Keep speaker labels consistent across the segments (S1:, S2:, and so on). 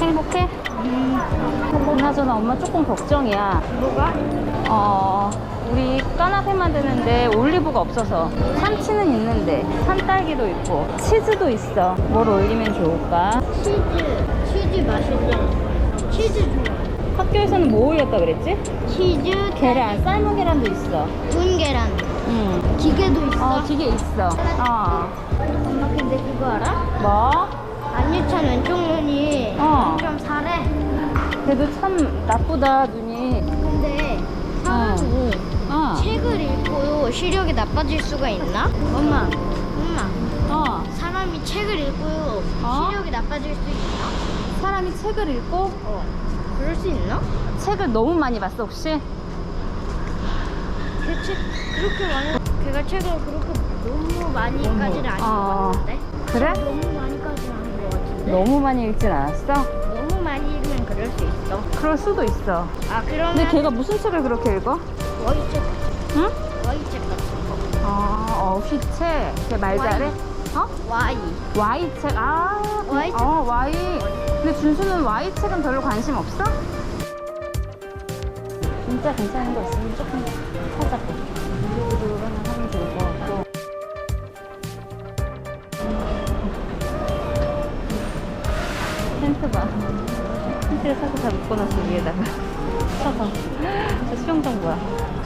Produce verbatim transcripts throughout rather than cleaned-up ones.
S1: 행복해? 음. 그나저나 엄마 조금 걱정이야.
S2: 뭐가?
S1: 어, 우리 까나페 만드는데 올리브가 없어서. 참치는 있는데 산딸기도 있고 치즈도 있어. 뭘 올리면 좋을까?
S2: 치즈. 치즈 맛있잖아. 치즈 좋아.
S1: 학교에서는 뭐 올렸다 그랬지?
S2: 치즈,
S1: 계란, 삶은 계란도 있어.
S2: 구운 계란.
S1: 응.
S2: 기계도 있어.
S1: 어, 기계 있어. 어.
S2: 엄마 근데 그거 알아?
S1: 뭐?
S2: 안유찬 왼쪽 눈이
S1: 어.
S2: 좀 사래.
S1: 그래도 참 나쁘다, 눈이.
S2: 근데 사람이
S1: 어.
S2: 책을 읽고 시력이 나빠질 수가 있나? 엄마, 엄마.
S1: 어.
S2: 사람이 책을 읽고
S1: 어?
S2: 시력이 나빠질 수 있나?
S1: 사람이 책을 읽고
S2: 어. 그럴 수 있나?
S1: 책을 너무 많이 봤어, 혹시?
S2: 그 책 그렇게 많이 걔가 책을 그렇게 너무 많이까지는 아닌
S1: 어.
S2: 것 같은데?
S1: 그래?
S2: 너무 많이까지는 아닌 것 같은데?
S1: 너무 많이 읽진 않았어?
S2: 너무 많이 읽으면 그럴 수 있어.
S1: 그럴 수도 있어.
S2: 아 그러면
S1: 근데 걔가 무슨 책을 그렇게 읽어?
S2: 와이책
S1: 응?
S2: 와이책 같은 거.
S1: 아, 어, 휘책. 걔 말 잘해? 어?
S2: 와이.
S1: Y책. 아,
S2: Y책.
S1: 어, Y. 근데 준수는 Y책은 별로 관심 없어? 진짜 괜찮은 거 있으면 조금 찾아볼게. 유튜브로 하나 하면 좋을 것 같고. 텐트 봐. 텐트를 사서 다 묶어놨어, 위에다가. 쳐서. 저 수영장 뭐야?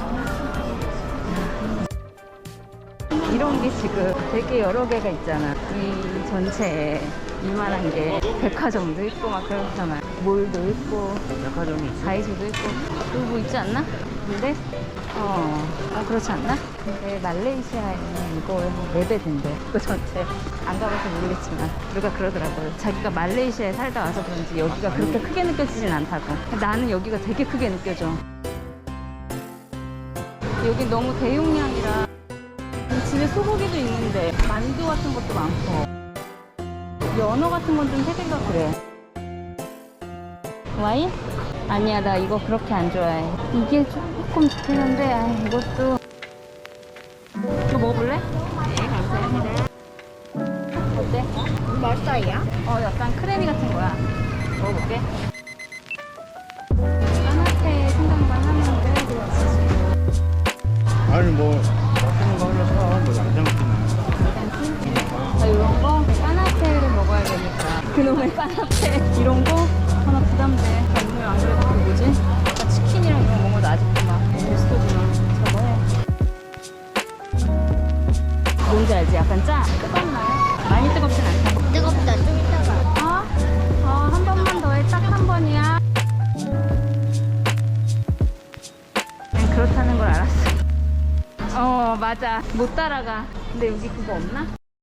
S1: 이런 게 지금 되게 여러 개가 있잖아. 이 전체에 이만한 게 백화점도 있고 막 그렇잖아. 몰도 있고
S3: 백화점이 있어?
S1: 다이소도 있고 또 뭐 있지 않나? 근데 어, 어 그렇지 않나? 근데 말레이시아에는 이거 네 배 된대. 그 전체 안 가봐서 모르겠지만 누가 그러더라고요. 자기가 말레이시아에 살다 와서 그런지 여기가 그렇게 크게 느껴지진 않다고. 나는 여기가 되게 크게 느껴져. 여기 너무 대용량이라 집에 소고기도 있는데 만두 같은 것도 많고 연어 같은 건 좀 세대가 그래. 와인? 아니야, 나 이거 그렇게 안 좋아해. 이게 조금 좋긴 한데 아, 이것도 이거 먹어볼래? 네, 감사합니다. 어때?
S2: 몇 살이야?
S1: 어, 약간 크래미 같은 거야. 먹어볼게. 까나페 생각만 하는데
S3: 아니 뭐 맛있는 거 하나 사. 뭐 양장피나.
S1: 나 이런 거 까나페를 먹어야 되니까 그놈의 까나페 이런 거 하나 부담돼. 오늘 안 그래도 그 뭐지? 아까 치킨이랑 이런 거 먹어도 아직도 막 베스트지만 저거 해. 뭔지 알지? 약간 짜? 뜨겁나요? 많이 뜨겁진 않다.
S2: 뜨겁다. 좀 이따가.
S1: 어? 어, 한 번만 더 해. 딱 한 번이야. 그냥 그렇다는 걸 알았어. 어, 맞아. 못 따라가. 근데 여기 그거 없나?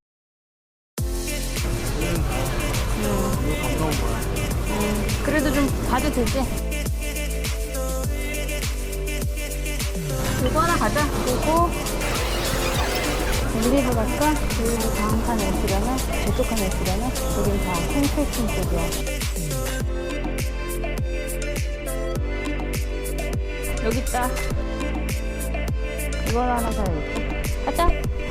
S3: 이거 감사한 거야.
S1: 음, 그래도 좀 봐도 되지? 그거 하나 가자. 그리고 올리브 갈까? 올리브 다음 칸에 있으려나? 저쪽 칸에 있으려나? 여긴 다 콩페이킹 쪽이야. 여기 있다. 이걸 하나 사야겠다. 가자.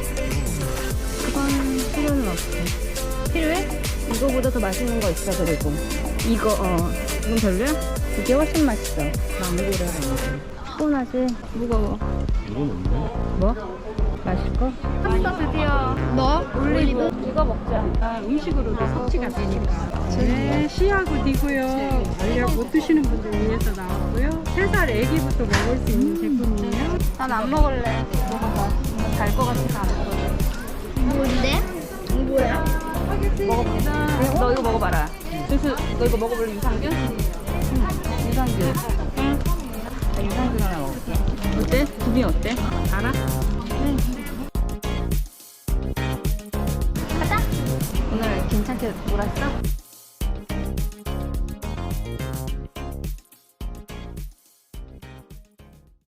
S1: 그건 필요는 없어. 필요해? 이거보다 더 맛있는 거 있어. 그리고 이거 어 이건 별로야? 이게 훨씬 맛있어. 망고를 하는 피곤하지? 무거워.
S3: 이건 없네.
S1: 뭐? 마실 거? 샀어 드디어.
S2: 뭐?
S1: 올리브. 이거 먹자.
S4: 아, 음식으로도 섭취가 되니까. 네, C하고 D고요. 알약 못 드시는 분들 위해서 나왔고요. 세 살 아기부터 먹을 수 있는 제품이에요.
S1: 난 안 먹을래. 먹어봐. 달 거 같아서 안 먹을래.
S2: 뭔데? 뭐야?
S1: 먹어봐. 너 이거 먹어봐라. 준수, 너 이거 먹어볼래? 유산균? 응. 유산균. 응. 나 유산균 하나 먹을게. 어때? 구미 어때? 알아? 응. 가자. 오늘 괜찮게 놀았어?